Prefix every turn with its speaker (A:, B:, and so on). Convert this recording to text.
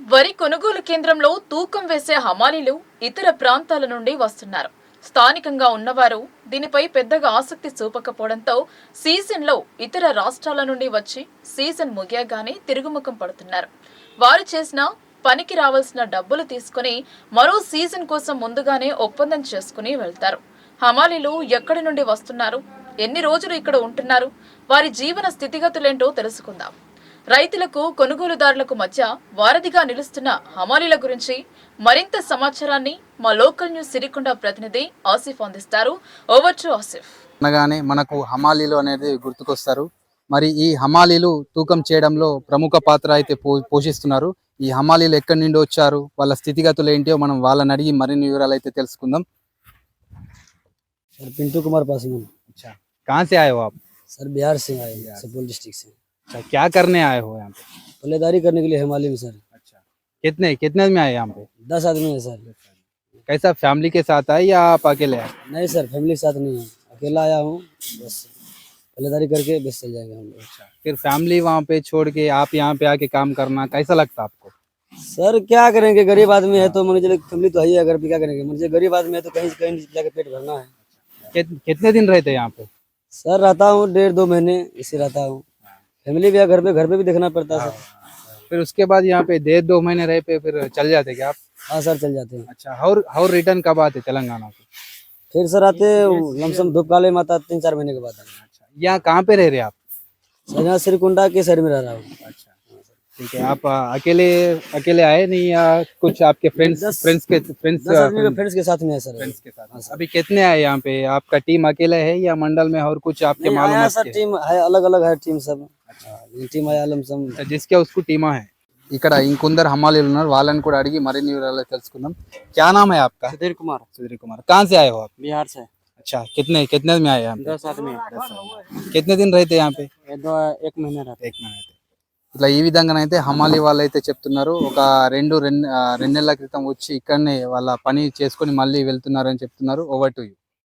A: వరి కొనుగోలు కేంద్రంలో తూకం వేసే హమాలీలు ఇతర ప్రాంతాల నుండి వస్తున్నారు. స్థానికంగా ఉన్నవారు దీనిపై పెద్దగా ఆసక్తి చూపకపోవడంతో సీజన్లో ఇతర రాష్ట్రాల నుండి వచ్చి సీజన్ ముగియగానే తిరుగుముఖం పడుతున్నారు. వారు చేసిన పనికి రావాల్సిన డబ్బులు తీసుకుని మరో సీజన్ కోసం ముందుగానే ఒప్పందం చేసుకుని వెళ్తారు. హమాలీలు ఎక్కడి నుండి వస్తున్నారు, ఎన్ని రోజులు ఇక్కడ ఉంటున్నారు, వారి జీవన స్థితిగతులేంటో తెలుసుకుందాం. రైతులకు కొనుగోలుదారులకు మధ్య వారధిగా నిలుస్తున్న హమాలీల గురించి మరింత సమాచారాన్ని మా లోకల్ న్యూస్ సిరికొండ ప్రతినిధి ఆసిఫ్ అందిస్తారు. Over to Asif.
B: అనగానే మనకు హమాలీలు అనేది గుర్తుకొస్తారు. మరి ఈ హమాలీలు తూకం చేయడంలో ప్రముఖ పాత్ర అయితే పోషిస్తున్నారు. ఈ హమాలీలు ఎక్కడి నుండి వచ్చారు, వాళ్ళ స్థితిగతులు ఏంటో మనం వాళ్ళని అడిగి మరిన్ని వివరాలు అయితే తెలుసుకుందాం.
C: सर पिंटू कुमार पासवान।
B: अच्छा, कहाँ से आए हो आप?
C: सर बिहार से आए हैं, सुपौल डिस्ट्रिक्ट से।
B: अच्छा, क्या करने आए हो यहाँ पे?
C: पल्लेदारी करने के लिए हिमालय में सर।
B: अच्छा, कितने कितने में आए यहाँ पे?
C: 10 आदमी है सर।
B: कैसा, फैमिली के साथ आए या आप अकेले आए?
C: नहीं सर, फैमिली के साथ नहीं है, अकेला आया हूँ। बस पल्लेदारी करके बस चल जाएंगे हम लोग।
B: अच्छा, फिर फैमिली वहाँ पे छोड़ के आप यहाँ पे आके काम करना कैसा लगता आपको?
C: सर क्या करेंगे, गरीब आदमी है तो मान लीजिए फैमिली तो है ही, अगर भी क्या करेंगे, मुझे गरीब आदमी है तो कहीं कहीं जाके पेट भरना है।
B: कितने दिन रहते यहाँ पे?
C: सर रहता हूँ 1.5-2 महीने इसी रहता हूँ। फैमिली भी है घर पे भी देखना पड़ता है सर।
B: फिर उसके बाद यहाँ पे 1.5-2 महीने रहे पे फिर चल जाते क्या आप?
C: हाँ सर चल जाते हैं।
B: अच्छा, और रिटर्न कब आते तेलंगाना को?
C: फिर सर आते लमसम धूपकाले में आता 3-4 महीने के बाद।
B: अच्छा, यहाँ कहाँ पे रह रहे आप?
C: सर यहाँ सिरकुंडा के साइड में रह रहा हूँ।
B: अच्छा, ठीक है। आप अकेले आए नहीं या कुछ आपके फ्रेंड्स
C: 10 आदमी फ्रेंड्स के साथ में है सर।
B: फ्रेंड्स के साथ? अभी कितने आए यहाँ पे? आपका टीम अकेले है या मंडल में और कुछ आपके
C: नहीं,
B: मालूम
C: आया
B: है?
C: सर टीम है, अलग अलग है टीम सब। టీమ్ आया लमसम।
B: जिसके उसको टीमा है। ఇక్కడ ఇంకొందరు హమాలీలు ఉన్నారు, వాళ్ళని కూడా అడిగి మరిన్ని వివరాలు తెలుసుకుందాం. क्या नाम है आपका?
C: सुधीर कुमार।
B: सुधीर कुमार, कहाँ से आए हो आप?
C: बिहार से।
B: अच्छा, कितने कितने में आए यहाँ पे?
C: 10 आदमी।
B: कितने दिन रहते यहाँ पे?
C: 1 महीना रहते।
B: 1 महीना रहते. ఇట్లా ఈ విధంగానైతే హమాలీ వాళ్ళు అయితే చెప్తున్నారు. ఒక రెండు నెలల క్రితం వచ్చి ఇక్కడనే వాళ్ళ పని చేసుకొని మళ్ళీ వెళ్తున్నారని చెప్తున్నారు. Over to you.